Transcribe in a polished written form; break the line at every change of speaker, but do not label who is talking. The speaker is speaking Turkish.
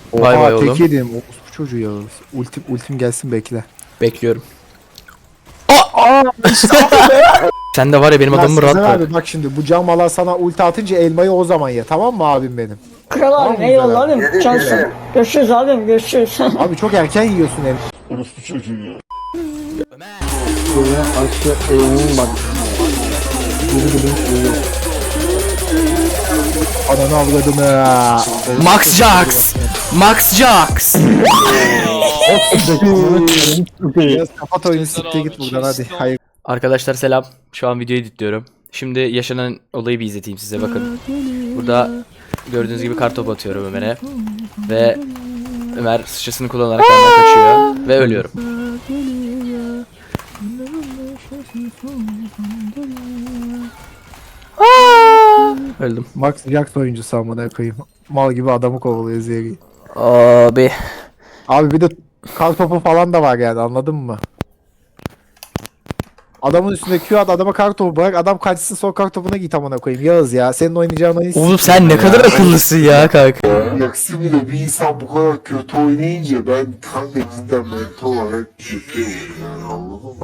Bay bay
Oha
oğlum.
tek yedim. Bu çocuğu Yağız. Ultim gelsin bekle.
Bekliyorum.
Aa
Sen de var ya benim
ya
adamımı rahat
Sezer
bırak.
abi bak şimdi bu camala sana ulti atınca elmayı o zaman ye, tamam mı abim benim?
Kral
Tamam
abim
mı
eyvallah
Güzel
abim. Cansın. Görüşürüz abim görüşürüz.
Abi çok erken yiyorsun elmayı.
Böyle aşağı eğimim bak.
Ananı avradını.
Max Jax. Max Jax.
Biraz kapat oyunu, siktir git buradan hadi. Hayır.
Arkadaşlar selam. Şu an videoyu editliyorum. Şimdi yaşanan olayı bir izleteyim size, bakın. Burada gördüğünüz gibi kartopu atıyorum Ömer'e. Ve Ömer sıçrasını kullanarak benden kaçıyor. Ve ölüyorum. Öldüm.
Max Jax oyuncusu amına koyayım. Mal gibi adamı kovalıyor Zeri.
Abi.
Abi bir de kar topu falan da var yani, anladın mı? Adamın üstünde Q at, adama kar topu bırak, adam kaçsın, son kar topuna git amına koyayım. Yağız ya, senin oynayacağın oyun
Oğlum sen ne kadar akıllısın ya kanka.
Yaksi bile bir insan bu kadar kötü oynayınca ben kanka cidden mental olarak çöküyorum yani, anladın mı?